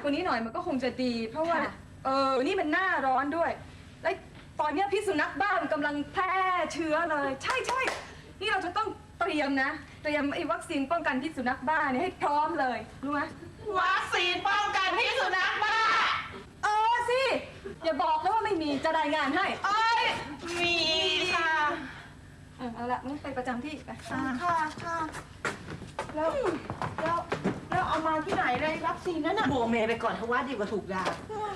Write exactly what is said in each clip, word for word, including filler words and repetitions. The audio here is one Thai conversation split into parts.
ว่านี้หน่อยมันก็คงจะดีเพราะว่าเออนี่มันหน้าร้อนด้วยและตอนนี้พิษสุนัขบ้ามันกำลังแพร่เชื้อเลยใช่ใช่นี่เราจะต้องเตรียมนะเตรียมไอ้วัคซีนป้องกันพิษสุนัขบ้านี่ให้พร้อมเลยรู้ไหมวัคซีนป้องกันพิษสุนัขบ้าเออสิอย่าบอกนะว่าไม่มีจะรายงานให้เอ้ยมีค่ะเอาละงั้นไปประจำที่ไปค่ะค่ะแล้วแล้วแล้วเอามาที่ไหนเลยวัคซีนนั่นน่ะโบเมไปก่อนเพราะว่าดีกว่าถูกยา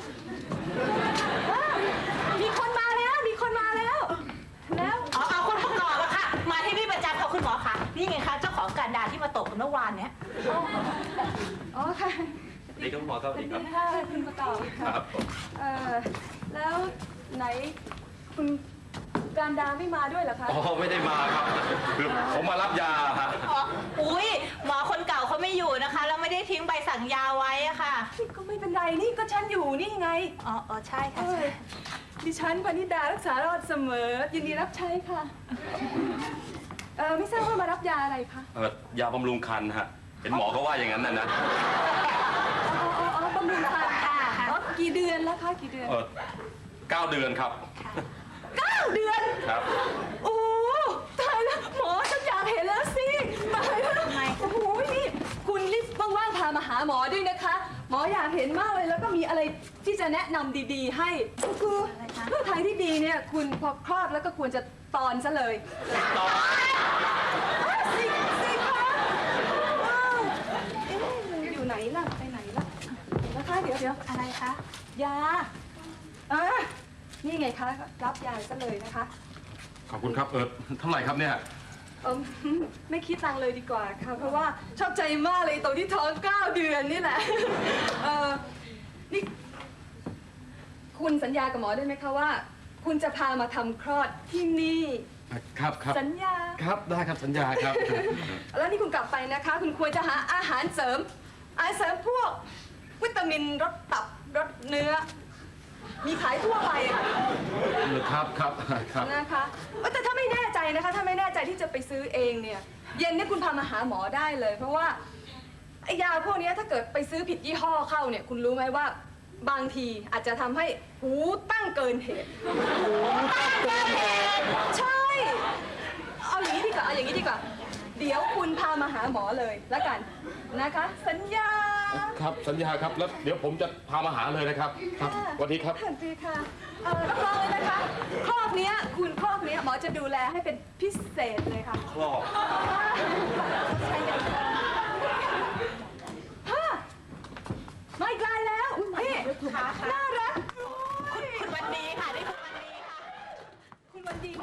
มีคนมาแล้วมีคนมาแล้วแล้วอ๋อเอาคนประกอบอะค่ะมาที่นี่ประจำค่ะคุณหมอคะนี่ไงคะเจ้าของการดาที่มาตกเมื่อวานเนี้ยอ๋อค่ะดีครับหมอครับดีครับคุณประกอบครับเออแล้วไหนคุณการดาไม่มาด้วยเหรอคะอ๋อไม่ได้มาครับคือผมมารับยาฮะอุ้ยหมอคนเก่าเขาไม่อยู่นะคะแล้วไม่ได้ทิ้งใบสั่งยาไว้อะค่ะก็ไม่เป็นไรนี่ก็ฉันอยู่นี่ไงอ๋ออ๋อใช่ค่ะดิฉันพนิดารักษารอดเสมอยินดีรับใช้ค่ะเออไม่ทราบว่ามารับยาอะไรคะเออยาบำรุงคันฮะเห็นหมอเขาว่าอย่างนั้นนะนะอ๋ออ๋อบำรุงคันค่ะอ๋อกี่เดือนแล้วคะกี่เดือนเออเก้าเดือนครับเก้าเดือนครับโอ้ตายแล้วหมอฉันอยากเห็นแล้วสิตายแล้วโอ้โหนี่คุณรีบว่างๆพามาหาหมอด้วยนะคะหมออยากเห็นมากเลยแล้วก็มีอะไรที่จะแนะนำดีๆให้ก็คือเพื่อทางที่ดีเนี่ยคุณพอคลอดแล้วก็ควรจะตอนซะเลยตอนสิสิคะเอ๊ะอยู่ไหนล่ะไปไหนล่ะนะคะเดี๋ยวเดี๋ยวอะไรคะยาอ่ะนี่ไงคะรับยาซะเลยนะคะขอบคุณครับเออเท่าไหร่ครับเนี่ยเออไม่คิดตังเลยดีกว่าค่ะเพราะว่าชอบใจมากเลยตรงที่ท้องเก้าเดือนนี่แหละเออนี่คุณสัญญากับหมอได้ไหมคะว่าคุณจะพามาทำคลอดที่นี่ครับครับสัญญาครับได้ครับสัญญาครับแล้วนี่คุณกลับไปนะคะคุณควรจะหาอาหารเสริมอาหารเสริมพวกวิตามินรสตับรสเนื้อมีขายทั่วไปค่ะครับครับครับนะคะแต่ถ้าไม่แน่ใจนะคะถ้าไม่แน่ใจที่จะไปซื้อเองเนี่ยเย็นนี้คุณพามาหาหมอได้เลยเพราะว่าไอ้ยาพวกนี้ถ้าเกิดไปซื้อผิดยี่ห้อเข้าเนี่ยคุณรู้ไหมว่าบางทีอาจจะทำให้หูตั้งเกินเหตุหูตั้งเกินเหตุใช่เอาอย่างนี้ดีกว่าเอาอย่างนี้ดีกว่าเดี๋ยวคุณพามาหาหมอเลยแล้วกันนะคะสัญญาครับสัญญาครับแล้วเดี๋ยวผมจะพามาหาเลยนะครับครับสวัสดีครับสวัสดีค่ะเออรับรองเลยนะคะครอบเนี้ยคุณครอบเนี้ยหมอจะดูแลให้เป็นพิเศษเลยค่ะครอบใช่เลยค่ะฮะมาอีกลายแล้วนี่น่ารักคุณวันดีค่ะได้คุณวันดีค่ะคุณวันดี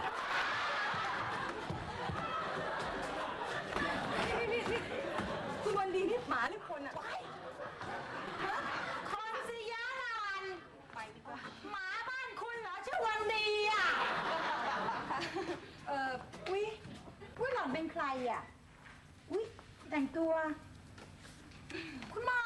นี่นี่คุณวันดีนี่หมาหรือคนอะคนสิยะนันไปดีกว่าหมาบ้านคุณเหรอชื่อวันดีอ่ะเอออุ้ยอุ้ยหล่อนเป็นใครอ่ะอุ้ยแต่งตัวคุณหมอ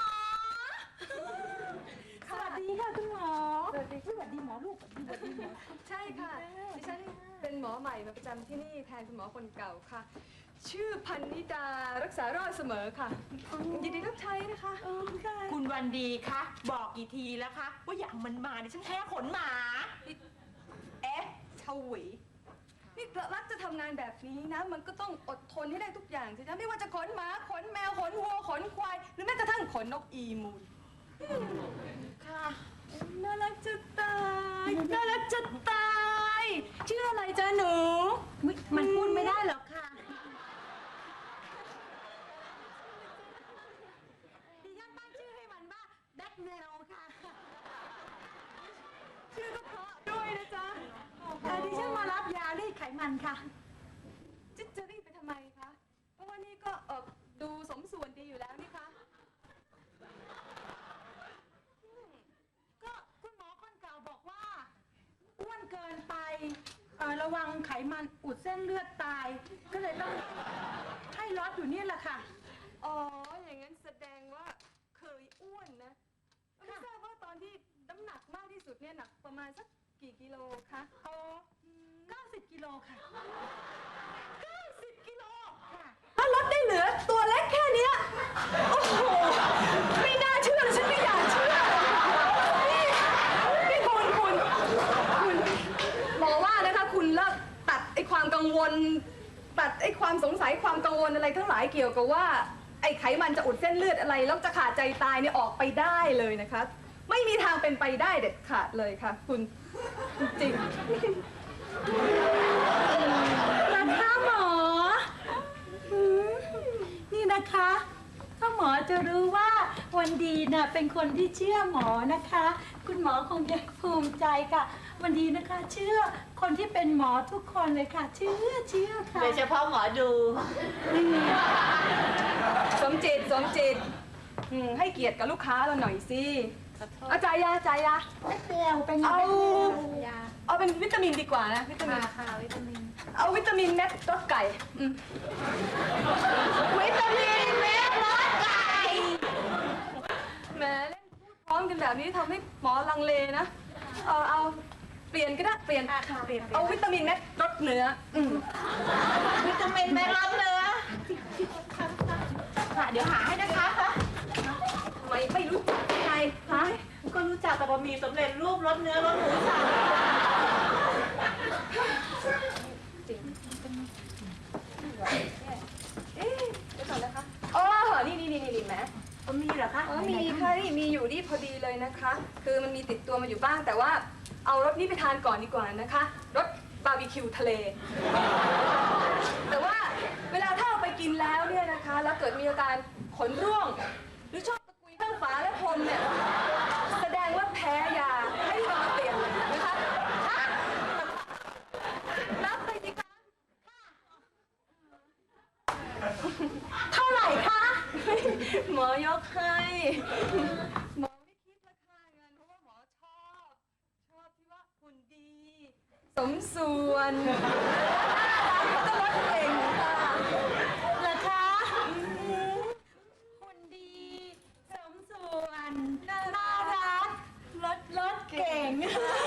สวัสดีค่ะคุณหมอสวัสดีสวัสดีหมอลูกสวัสดีหมอใช่ค่ะดิฉันเป็นหมอใหม่มาประจำที่นี่แทนคุณหมอคนเก่าค่ะชื่อพันนิดารักษารอดเสมอค่ะยินดีรับใช้นะคะคุณวันดีคะบอกกี่ทีแล้วคะว่าอย่างมันมาเนี่ยฉันแพ้ขนหมาเอ๊ะชวีนี่รักจะทำงานแบบนี้นะมันก็ต้องอดทนให้ได้ทุกอย่างสิจ๊ะไม่ว่าจะขนหมาขนแมวขนวัวขนควายหรือแม้กระทั่งขนนกอีมูลค่ะน่ารักจะตายน่ารักจะตายชื่ออะไรจ๊ะหนูมันพูดไม่ได้หรอกค่ะดิฉันตั้งชื่อให้มันว่าแบ็คเนลค่ะชื่อก็เพราะด้วยนะจ๊ะดิฉันมารับยารีดไขมันค่ะจะจะรีดไปทำไมคะเพราะว่านี่ก็เออดูสมส่วนดีอยู่แล้วนี่คะก็คุณหมอคนเก่าบอกว่าอ้วนเกินไประวังไขมันอุดเส้นเลือดตายก็เลยต้องให้ลดอยู่นี่แหละค่ะอ๋ออย่างนั้นแสดงว่าเคยอ้วนนะไม่ทราบว่าตอนที่น้ำหนักมากที่สุดเนี่ยหนักประมาณสักกี่กิโลคะอ๋อเก้าสิบกิโลค่ะเก้าสิบกิโลค่ะถ้าลดได้เหลือตัวเล็กแค่นี้โอ้โหไม่น่าเชื่อเลยฉันไม่อยากเชื่อเกี่ยวกับว่าไอ้ไขมันจะอุดเส้นเลือดอะไรแล้วจะขาดใจตายเนี่ยออกไปได้เลยนะคะ ไม่มีทางเป็นไปได้เด็ดขาดเลยค่ะ คุณจริงนะคะหมอหืมนี่นะคะถ้าหมอจะรู้ว่าวันดีน่ะเป็นคนที่เชื่อหมอนะคะ คุณหมอคงจะภูมิใจค่ะ วันดีนะคะ เชื่อคนที่เป็นหมอทุกคนเลยค่ะ เชื่อเชื่อค่ะโดยเฉพาะหมอดูสมจิตสมจิตอืมให้เกียรติกับลูกค้าเราหน่อยสิเอาจ่ายยาจ่ายยาเซลเป็นไงเอายาเอาเป็นวิตามินดีกว่านะวิตามินค่ะวิตามินเอาวิตามินเม็ดรสไก่อืมวิตามินเม็ดรสไก่แหมเล่นพูดพร้อมกันแบบนี้ทำให้หมอลังเลนะเอาเอาเปลี่ยนก็ได้เปลี่ยนค่ะเปลี่ยนเอาวิตามินเม็ดรสเนื้ออืมวิตามินไม่ร้อนเนื้อค่ะเดี๋ยวหาให้นะคะทำไมไม่รู้จักยังไงฮะก็รู้จักแต่บะหมี่สำเร็จรูปรสเนื้อรสหมูสับจริงเอ๊ะเดี๋ยวก่อนนะคะอ๋อนี่นี่นี่นี่แหมก็มีเหรอคะอ๋อมีค่ะนี่มีอยู่นี่พอดีเลยนะคะ คือมันมีติดตัวมาอยู่บ้างแต่ว่าเอารสนี้ไปทานก่อนดีกว่านะคะรสบาร์บีคิวทะเล แต่ว่าเวลาถ้าเอาไปกินแล้วเนี่ยนะคะ แล้วเกิดมีอาการขนร่วง หรือชอบตะกุยข้างฝาและพรมเนี่ย แสดงว่าแพ้ยาให้รีบเอามาเปลี่ยนเลยนะคะรับไปสิคะเท่าไหร่คะหมอยกให้ หมอไม่คิดราคาเงินเพราะว่าหมอชอบ ชอบที่ว่าหุ่นดี สมส่วนแล้วก็รสเก่งค่ะเหรอคะหุ่นดี สมส่วน น่ารักรถรถเก่ง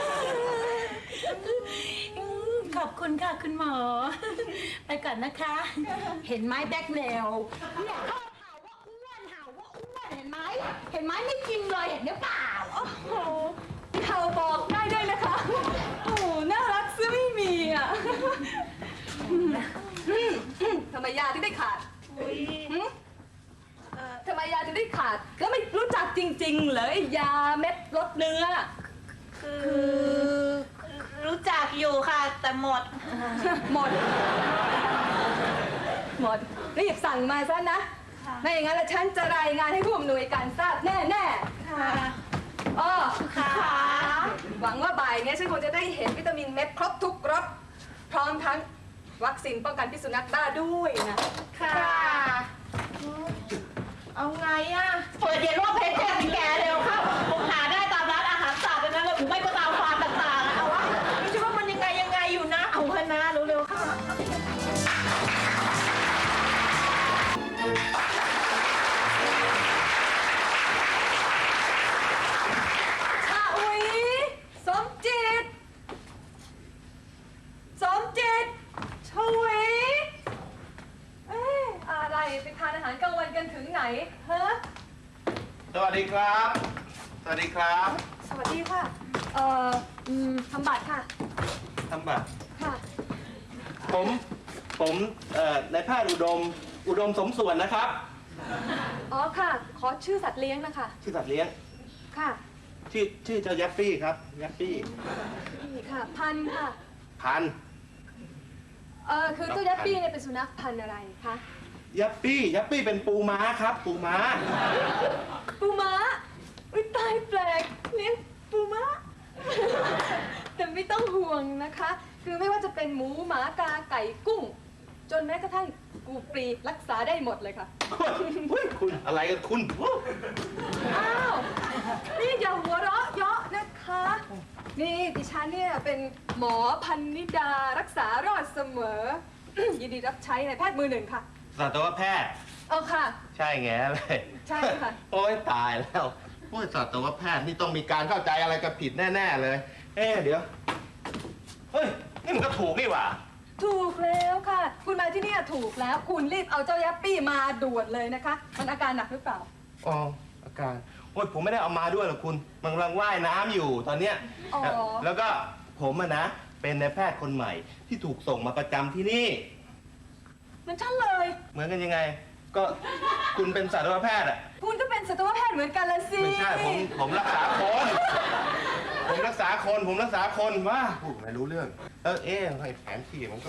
ขอบคุณค่ะคุณหมอ ไปก่อนนะคะ เห็นไหมแบ็คเมลเนี่ยเขาเห่าว่าอ้วนเห่าว่าอ้วนเห็นไหม เห็นไหมไม่จริงเลยเห็นหรือเปล่าโอ้โหเขาบอกได้ด้วยนะคะ โอ้โห น่ารักซึ่งไม่มีอ่ะอืมอืมทำไมยาถึงได้ขาดอุ้ยหึเอ่อทำไมยาถึงได้ขาด ก็ไม่รู้จักจริงๆเหรอยาเม็ดลดเนื้อคือรู้จักอยู่ค่ะ แต่หมดหมด หมด รีบสั่งมาซะนะค่ะไม่อย่างนั้นแล้วฉันจะรายงานให้ผู้อำนวยการทราบแน่ค่ะๆอ๋อค่ะหวังว่าบ่ายเนี้ยฉันคงจะได้เห็นวิตามินเม็ดครบทุกรส พร้อมทั้งวัคซีนป้องกันพิษสุนัขบ้าด้วยนะค่ะ เอาไงอ่ะเปิดเย็นว่าเพชรแจ้งแกเร็วเข้าผมหาได้ตามร้านอาหารสัตว์เลยนะแล้วผมไม่ก็ตามฟาร์มต่างๆนะเอาวะไม่ใช่ว่ามันยังไงยังไงอยู่นะ เอาเถอะนะเร็วๆเข้าชาอุยสมจิต สมจิตชวีเอ๊ะอะไรไปทานอาหารกลางวันกันถึงไหนเฮ้อสวัสดีครับ สวัสดีครับสวัสดีค่ะ เอ่ออืมทำบัตรค่ะทำบัตรค่ะผม ผมเอ่อนายแพทย์อุดม อุดมสมส่วนนะครับอ๋อค่ะ ขอชื่อสัตว์เลี้ยงนะคะชื่อสัตว์เลี้ยงค่ะชื่อ ชื่อเจ้ายัปปี้ครับ ยัปปี้นี่ค่ะ พันธุ์ค่ะพันธุ์เอ่อ คือเจ้ายัปปี้เนี่ยเป็นสุนัขพันธุ์อะไรคะยัปปี้ ยัปปี้เป็นปูม้าครับ ปูม้าปูม้าอุ้ยตายแปลกเลี้ยงปูม้า แต่ไม่ต้องห่วงนะคะ คือไม่ว่าจะเป็นหมูหมากาไก่กุ้ง จนแม้กระทั่งกูปรีรักษาได้หมดเลยค่ะเฮ้ยคุณอะไรกันคุณอ้าว นี่อย่าหัวเราะเยาะนะคะ นี่ดิฉันเนี่ยเป็นหมอพันนิดารักษารอดเสมอ ยินดีรับใช้ในายแพทย์มือหนึ่งค่ะสัตวแพทย์เอาค่ะใช่แง่เลยใช่ค่ะโอ้ยตายแล้วโอ้ยสัตวแพทย์นี่ต้องมีการเข้าใจอะไรกันผิดแน่ๆเลย เอ๊ะเดี๋ยว เฮ้ย นี่มันก็ถูกนี่หว่าถูกแล้วค่ะ คุณมาที่เนี่ยถูกแล้ว คุณรีบเอาเจ้ายัปปี้มาด่วนเลยนะคะ มันอาการหนักหรือเปล่าอ๋ออาการโอ้ยผมไม่ได้เอามาด้วยหรอกคุณ มันกำลังว่ายน้ำอยู่ตอนเนี้ยอ๋อแล้วแล้วก็ผมอะนะ เป็นนายแพทย์คนใหม่ที่ถูกส่งมาประจำที่นี่มันฉันเลยเหมือนกันยังไง ผก็คุณเป็นสัตวแพทย์อ่ะคุณก็เป็นสัตวแพทย์เหมือนกันละสิไม่ใช่ผมผมรักษาคน ผมรักษาคนผมรักษาคนว่าพูดไม่รู้เรื่องเออเอ๊ะไอ้แผนที่มันก็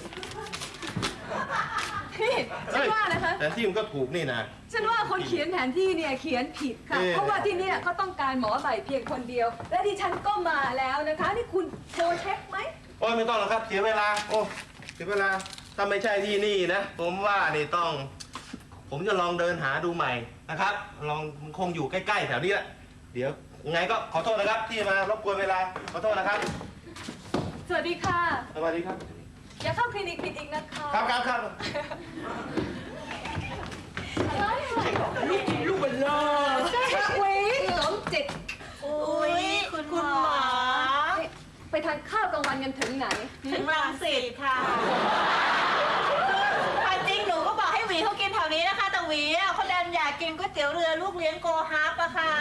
พี่ฉันว่านะคะแผนที่มันก็ถูกนี่นะฉันว่าคนเขียนแผนที่เนี่ยเขียนผิดค่ะเอ๊ะเพราะว่าที่เนี่ยเขาต้องการหมอใหม่เพียงคนเดียว และดิฉันก็มาแล้วนะคะ นี่คุณโทรเช็คไหมโอ้ยไม่ต้องหรอกครับเสียเวลาโอ้เสียเวลาถ้าไม่ใช่ที่นี่นะ ผมว่านี่ต้อง ผมจะลองเดินหาดูใหม่นะครับ ลองคงอยู่ใกล้ๆแถวนี้แหละเดี๋ยวยังไงก็ขอโทษนะครับ ที่มารบกวนเวลาขอโทษนะครับสวัสดีค่ะสวัสดีครับอย่าเข้าคลินิกผิดอีกนะคะครับครับครับลูกเป็นล่าใช่ค่ะเว้ยหลงจิตอุ้ยคุณหมอไปทานข้าวกลางวันกันถึงไหนถึงรังสิตค่ะความจริงหนูก็บอกให้หวีเขากินแถวนี้นะคะ แต่หวีอ่ะเขาดันอยากกินก๋วยเตี๋ยวเรือลูกเลี้ยงโกฮับอะค่ะ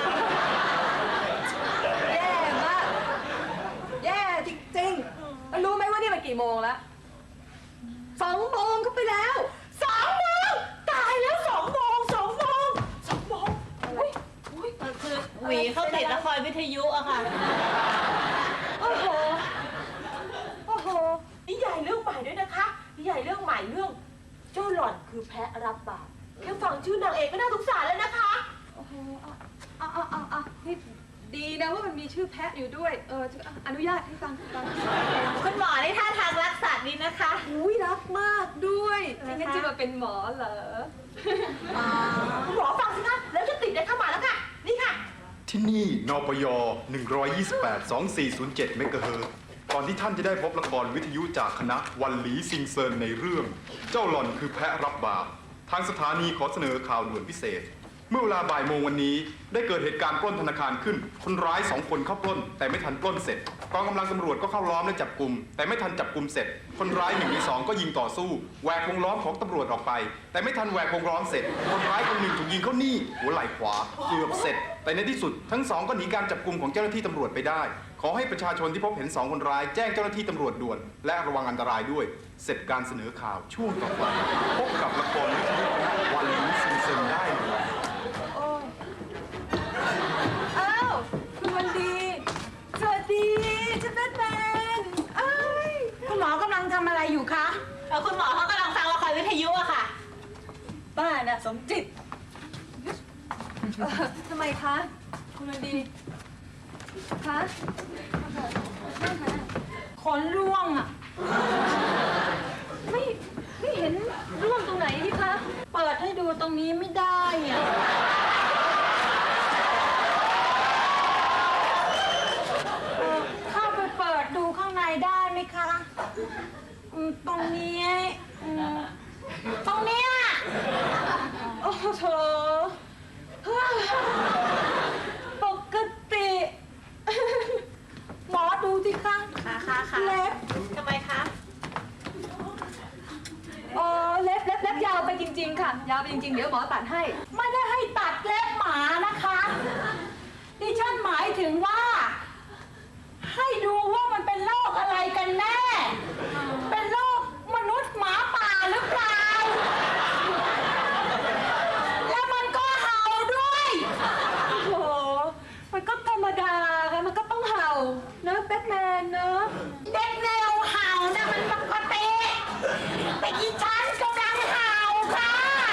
แย่มาก แย่จริงๆแล้วรู้ไหมว่านี่มันกี่โมงแล้วสองโมงก็ไปแล้วสองโมงตายแล้วสองโมงสองโมงสองโมงอุ๊ยอุ๊ยมันคือหวีเขาติดละครวิทยุอะค่ะโอ้โห โอ้โหนิยายเรื่องใหม่ด้วยนะคะนิยายเรื่องใหม่เรื่องเจ้าหล่อนคือแพะรับบาปแค่ฟังชื่อนางเอกก็น่าสงสารแล้วนะคะโอ้โหเอาเอาเอาเอานี่ดีนะว่ามันมีชื่อแพะอยู่ด้วย เออจะอนุญาตให้ฟังฟังคุณหมอในท่าทางรักสัตว์ดีนะคะอุ้ยรักมากด้วยไม่งั้นจะมาเป็นหมอเหรอคุณหมอฟังสิคะแล้วจะติดได้เข้ามาแล้วค่ะ นี่ค่ะที่นี่นปย หนึ่งร้อยยี่สิบแปด สองสี่ศูนย์เจ็ด เมกะเฮิรตซ์ก่อนที่ท่านจะได้พบละครวิทยุจากคณะวันหลีซิงเซินในเรื่อง เจ้าหล่อนคือแพะรับบาป ทางสถานีขอเสนอข่าวด่วนพิเศษ เมื่อเวลาบ่ายโมงวันนี้ได้เกิดเหตุการณ์ปล้นธนาคารขึ้น คนร้ายสองคนเข้าปล้น แต่ไม่ทันปล้นเสร็จ กองกำลังตำรวจก็เข้าล้อมและจับกลุ่ม แต่ไม่ทันจับกลุ่มเสร็จ คนร้ายหนึ่งในสองก็ยิงต่อสู้แหวกวงล้อมของตำรวจออกไป แต่ไม่ทันแหวกวงล้อมเสร็จ คนร้ายคนหนึ่งถูกยิงเข้านี่หัวไหล่ขวาเกือบเสร็จ แต่ในที่สุดทั้งสองก็หนีการจับกลุ่มของเจ้าหน้าที่ตำรวจไปได้ ขอให้ประชาชนที่พบเห็นสองคนร้ายแจ้งเจ้าหน้าที่ตำรวจด่วน และระวังอันตรายด้วย เสร็จการเสนอข่าวช่วงต่อไปพบกับละครวิทยุวันหลีซิงเซินได้เลยอ้าว คุณวันดี สวัสดีฉันเป็นแมนเอ้ยคุณหมอกำลังทำอะไรอยู่คะเออคุณหมอเขากำลังฟังละครวิทยุอะค่ะบ้าน่ะสมจิตเอ่อทำไมคะ คุณวันดี คะนั่งค่ะขนร่วงอ่ะไม่ ไม่เห็นร่วงตรงไหนนี่คะเปิดให้ดูตรงนี้ไม่ได้อ่ะเอ่อเข้าไปเปิดดูข้างในได้ไหมคะอืมตรงนี้อืมตรงเนี้ยโอ้โถปกติหมอดูสิคะค่ะค่ะค่ะเล็บทำไมคะอ๋อเล็บเล็บเล็บยาวไปจริง ๆ ค่ะ ยาวไปจริง ๆ เดี๋ยวหมอตัดให้ไม่ได้ให้ตัดเล็บหมานะคะ ดิฉันหมายถึงว่า ให้ดูว่ามันเป็นโรคอะไรกันแน่ เป็นโรคมนุษย์หมาป่าหรือเปล่า แล้วมันก็เห่าด้วยโอ้โห มันก็ธรรมดาค่ะ มันก็ต้องเห่าเนอะแบทแมนเนอะเด็กแนวเห่านะมันปกติแต่อีฉันกำลังเห่าค่ะ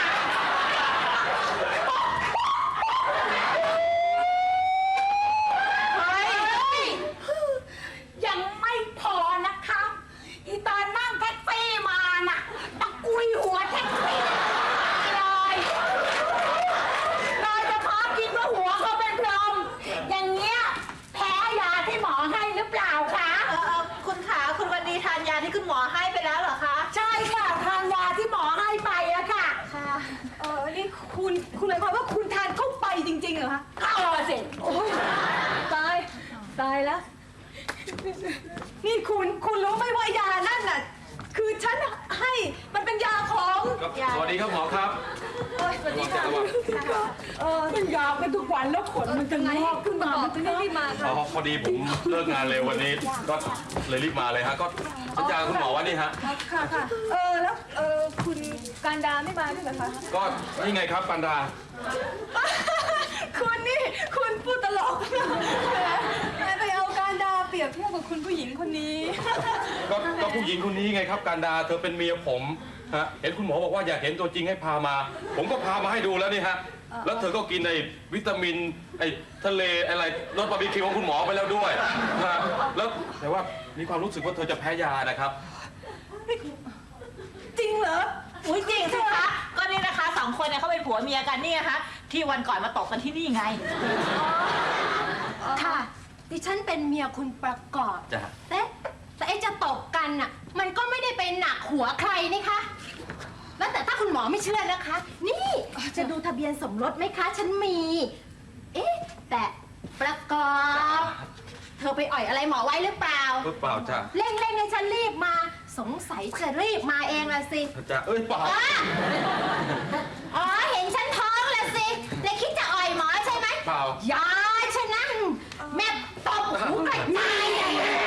เฮ้ย ยังไม่พอนะคะ อีตอนนั่งแท็กซี่มาน่ะตะกุยหัวแท็กซี่เลยโดยเฉพาะคิดว่าหัวเขาเป็นพรหมอย่างเงี้ยแพ้ยาที่หมอให้หรือเปล่าคะเออเออคุณขาคุณวันดีทานยาที่คุณหมอให้ไปแล้วเหรอคะใช่ค่ะทานยาที่หมอให้ไปอะค่ะค่ะ เออนี่คุณ คุณหมายความว่าคุณทานเข้าไปจริงๆเหรอคะเข้าอะสิโอ้ยตาย ตายแล้ว นี่คุณ คุณรู้ไหมว่ายานั่นน่ะคือฉันให้มันเป็นยาของสวัสดีครับหมอครับเอ้ยสวัสดีค่ะระวังเออมันยาวกันทุกวันแล้วขนมันจะไงงอกคุณประกอบถึงได้รีบมาอ๋ค่ะอพอดีผมเลิกงานเร็ววันนี้ ก็เลยรีบมาเลยฮะ ก็สัญญาคุณหมอว่านี่ฮะครับค่ะค่ะเออแล้วเออคุณการดาไม่มาด้วยเหรอคะก็นี่ไงครับปันดาคุณนี่คุณพูดตลกแหมไปเอาการดาเปรียบเทียบกับคุณผู้หญิงคนนี้ก็ก็ผู้หญิงคนนี้ไงครับการดาเธอเป็นเมียผมฮะเห็นคุณหมอบอกว่าอยากเห็นตัวจริงให้พามา ผมก็พามาให้ดูแล้วนี่ฮะแล้วเธอก็กินไอ้วิตามินไอ้ทะเลอะไรรสบาร์บีคิวของคุณหมอไปแล้วด้วยฮะแล้วแต่ว่ามีความรู้สึกว่าเธอจะแพ้ยานะครับจริงเหรออุ้ยจริงสิคะก็นี่นะคะสองคนเนี่ยเขาเป็นผัวเมียกันนี่นะคะที่วันก่อนมาตกกันที่นี่ไงค่ะ ดิฉันเป็นเมียคุณประกอบจ้ะแต่แต่ไอ้จะตบกันน่ะ มันก็ไม่ได้เป็นหนักหัวใครนี่คะ แล้วแต่ถ้าคุณหมอไม่เชื่อนะคะ นี่จะดูทะเบียนสมรสไหมคะ ฉันมี เอ๊ะ แต่ประกอบ เธอไปอ่อยอะไรหมอไว้หรือเปล่าหรือเปล่าจ้ะเร่งๆให้ฉันรีบมา สงสัยจะรีบมาเองละสิจ้ะเอ้ยเปล่าอ๋ออ๋อ เห็นฉันท้องละสิเลยคิดจะอ่อยหมอใช่ไหมเปล่ายาชนะแม่ตบหูกระจายเลย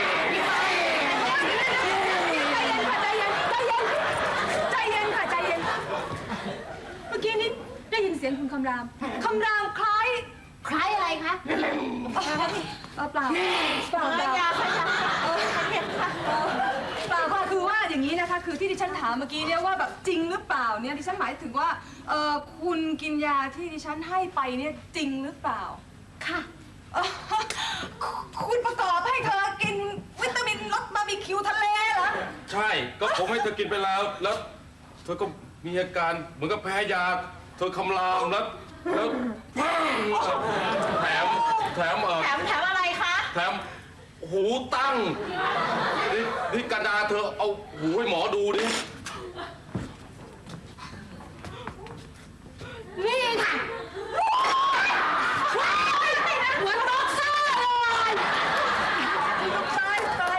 ใจเย็นค่ะใจเย็นเมื่อกี้นี้ได้ยินเสียงคุณคำรามคำรามคล้ายใครอะไรคะเออเปล่าเปล่าเปล่ายาค่ะยาเออเห็นค่ะเปล่าค่ะคือว่าอย่างนี้นะคะคือที่ดิฉันถามเมื่อกี้เนี่ยว่าแบบจริงหรือเปล่าเนี่ยดิฉันหมายถึงว่าเออคุณกินยาที่ดิฉันให้ไปเนี่ยจริงหรือเปล่าค่ะเอ่อคุณประกอบให้เธอกินวิตามินรสบาร์บีคิวทะเลเหรอใช่ ก็ผมให้เธอกินไปแล้ว แล้วเธอก็มีอาการเหมือนกับแพ้ยา เธอคำรามแล้ว แล้วแถม แถมเออแถมแถมอะไรคะแถมหูตั้ง นี่นี่กันดาเธอเอาหูให้หมอดูดินี่ค่ะหัวโต๊ะซ่าเลยตายตาย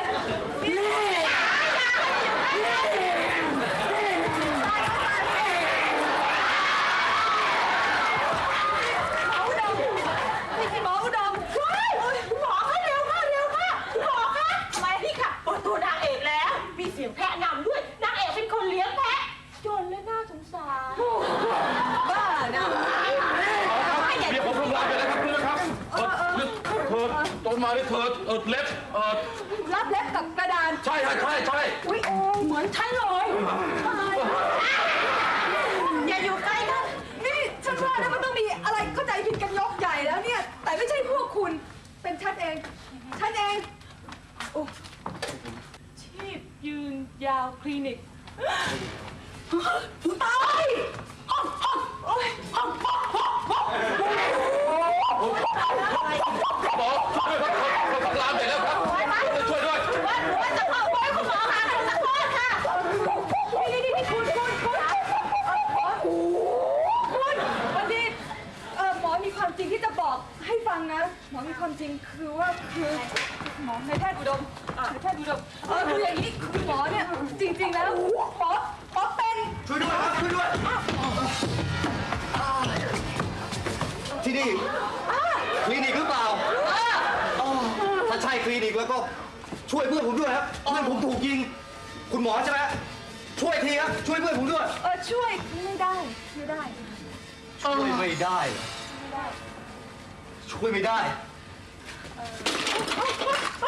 หมออุดมว้ายคุณหมอคะเร็วค่ะเร็วค่ะคุณหมอคะทำไมนี่ค่ะเปิดตัวนางเอกแล้ว มีเสียงแพะนำด้วยนางเอกเป็นคนเลี้ยงแพะจนและน่าสงสารบ้านะเมียผมทำลายไปแล้วครับคุณนะครับเออเธอตอนมาเนี่ยเธอเออเล็บเออรับเล็บกับกระดานใช่ใช่ใช่ใช่อุ้ยโอ้เหมือนฉันเลยอย่าอยู่ใกล้ค่ะนี่ฉันว่านะมันต้องมีอะไรเข้าใจผิดกันยกใหญ่แล้วเนี่ย แต่ไม่ใช่พวกคุณ เป็นฉันเอง ฉันเอง โอ้ชีพยืนยาวคลินิกตายโอ้ยหมอช่วยด้วยครับเขาทำลายไปแล้วครับช่วยด้วยว่าหนูว่าจะเข้าไว้คุณหมอคะขอโทษค่ะนี่นี่นี่คุณคุณคุณคุณวันนี้เออหมอมีความจริงที่จะบอกให้ฟังนะ หมอมีความจริงคือว่าคือหมอในแพทย์อุดมในแพทย์อุดมเออคืออย่างนี้คือหมอเนี่ยจริง ๆ แล้วหมอหมอเป็นช่วยด้วยครับช่วยด้วย ที่นี่คลินิกหรือเปล่าอ๋อถ้าใช่คลินิกแล้วก็ช่วยเพื่อนผมด้วยครับเพื่อนผมถูกยิง คุณหมอใช่ไหมช่วยทีครับช่วยเพื่อนผมด้วยเออช่วยไม่ได้ไม่ได้ช่วยไม่ได้เหรอช่วยไม่ได้ไป